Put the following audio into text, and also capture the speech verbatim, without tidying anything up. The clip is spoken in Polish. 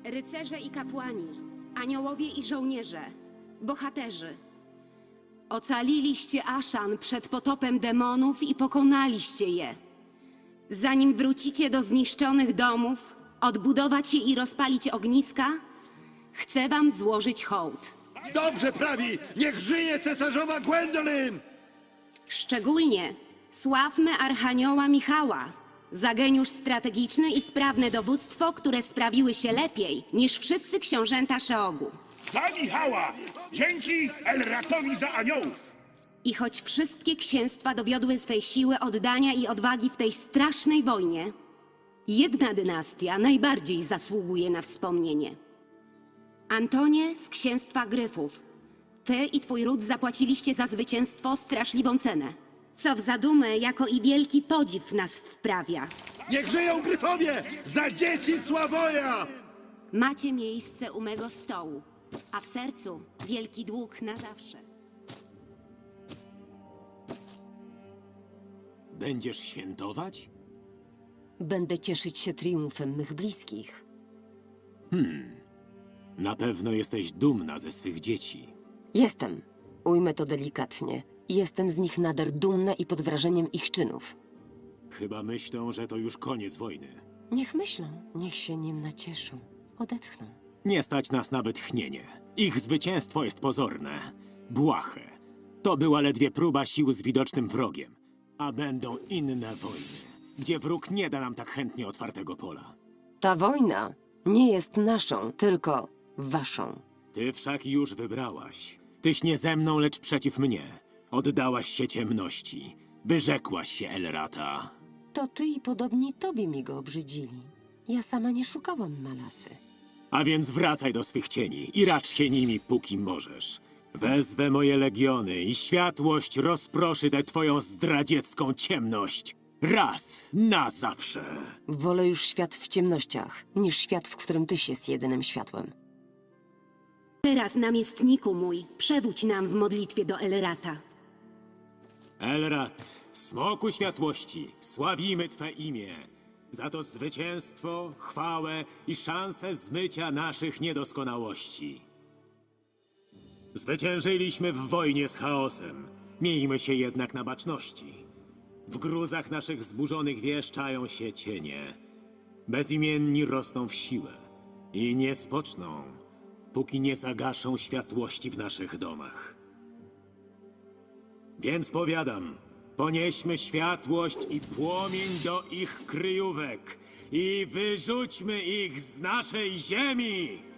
Rycerze i kapłani, aniołowie i żołnierze, bohaterzy. Ocaliliście Aszan przed potopem demonów i pokonaliście je. Zanim wrócicie do zniszczonych domów, odbudować je i rozpalić ogniska, chcę wam złożyć hołd. Dobrze prawi! Niech żyje cesarzowa Gwendolyn! Szczególnie sławmy Archanioła Michała, za geniusz strategiczny i sprawne dowództwo, które sprawiły się lepiej niż wszyscy książęta Szeogu. Za Michała! Dzięki Elratowi za aniołów! I choć wszystkie księstwa dowiodły swej siły, oddania i odwagi w tej strasznej wojnie, jedna dynastia najbardziej zasługuje na wspomnienie. Antonie z księstwa Gryfów, ty i twój ród zapłaciliście za zwycięstwo straszliwą cenę, co w zadumę jako i wielki podziw nas wprawia. Niech żyją Gryfowie! Za dzieci Sławoja! Macie miejsce u mego stołu, a w sercu wielki dług na zawsze. Będziesz świętować? Będę cieszyć się triumfem mych bliskich. Na pewno jesteś dumna ze swych dzieci. Jestem, ujmę to delikatnie, jestem z nich nader dumna i pod wrażeniem ich czynów. Chyba myślą, że to już koniec wojny. Niech myślą, niech się nim nacieszą, odetchną. Nie stać nas na wytchnienie. Ich zwycięstwo jest pozorne, błahe. To była ledwie próba sił z widocznym wrogiem. A będą inne wojny, gdzie wróg nie da nam tak chętnie otwartego pola. Ta wojna nie jest naszą, tylko waszą. Ty wszak już wybrałaś. Tyś nie ze mną, lecz przeciw mnie. Oddałaś się ciemności. Wyrzekłaś się Elrata. To ty i podobni tobie mi go obrzydzili. Ja sama nie szukałam Malasy. A więc wracaj do swych cieni i racz się nimi, póki możesz. Wezwę moje legiony i światłość rozproszy tę twoją zdradziecką ciemność. Raz na zawsze. Wolę już świat w ciemnościach, niż świat, w którym tyś jest jedynym światłem. Teraz, namiestniku mój, przewódź nam w modlitwie do Elrata. Elrat, smoku światłości, sławimy twe imię. Za to zwycięstwo, chwałę i szansę zmycia naszych niedoskonałości. Zwyciężyliśmy w wojnie z chaosem. Miejmy się jednak na baczności. W gruzach naszych zburzonych wież czają się cienie. Bezimienni rosną w siłę i nie spoczną, póki nie zagaszą światłości w naszych domach. Więc powiadam, ponieśmy światłość i płomień do ich kryjówek i wyrzućmy ich z naszej ziemi!